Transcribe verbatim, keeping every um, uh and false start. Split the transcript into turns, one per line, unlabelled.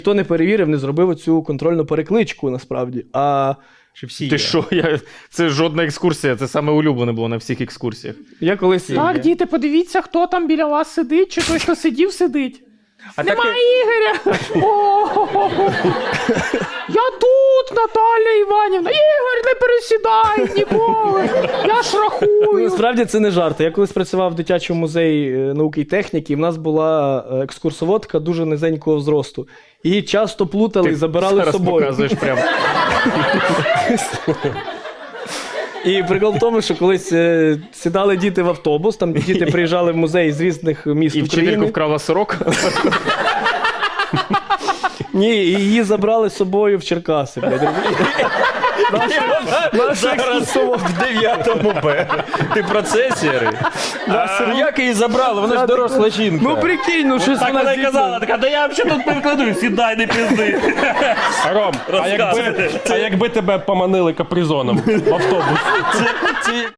Хто не перевірив, не зробив оцю контрольну перекличку, насправді. А всі
Ти
є.
що? Я... Це жодна екскурсія, це саме улюблене було на всіх екскурсіях.
Я колись...
Так, діти, подивіться, хто там біля вас сидить, чи той, хто сидів, сидить.
А
Нема
таке-
Ігоря! О-о-о-о. Я тут, Наталя Іванівна! Ігор, не пересідай ніколи! Я ж
Ну,
рахую!
насправді це не жарти. Я колись працював в дитячому музеї е, науки і техніки, і в нас була е, екскурсоводка дуже низенького зросту. Її часто плутали і забирали з
зараз
собою.
показуєш прямо.
І прикол в тому, що колись е, сідали діти в автобус, там діти приїжджали в музей з різних міст
І вчительку
України.
вкрала сорок.
Ні, і її забрали з собою в Черкаси. Блядь.
Зараз в дев'ятому Б. Ти про це, Сірий? А як її забрали? Вона ж доросла жінка.
Ну прикинь, ну щось
Так
вона
вона й
звідти-
казала, така, да я взагалі тут підкладу, сідай, не пізди.
Ром, а якби, а якби тебе поманили капризоном в автобус?
Це, це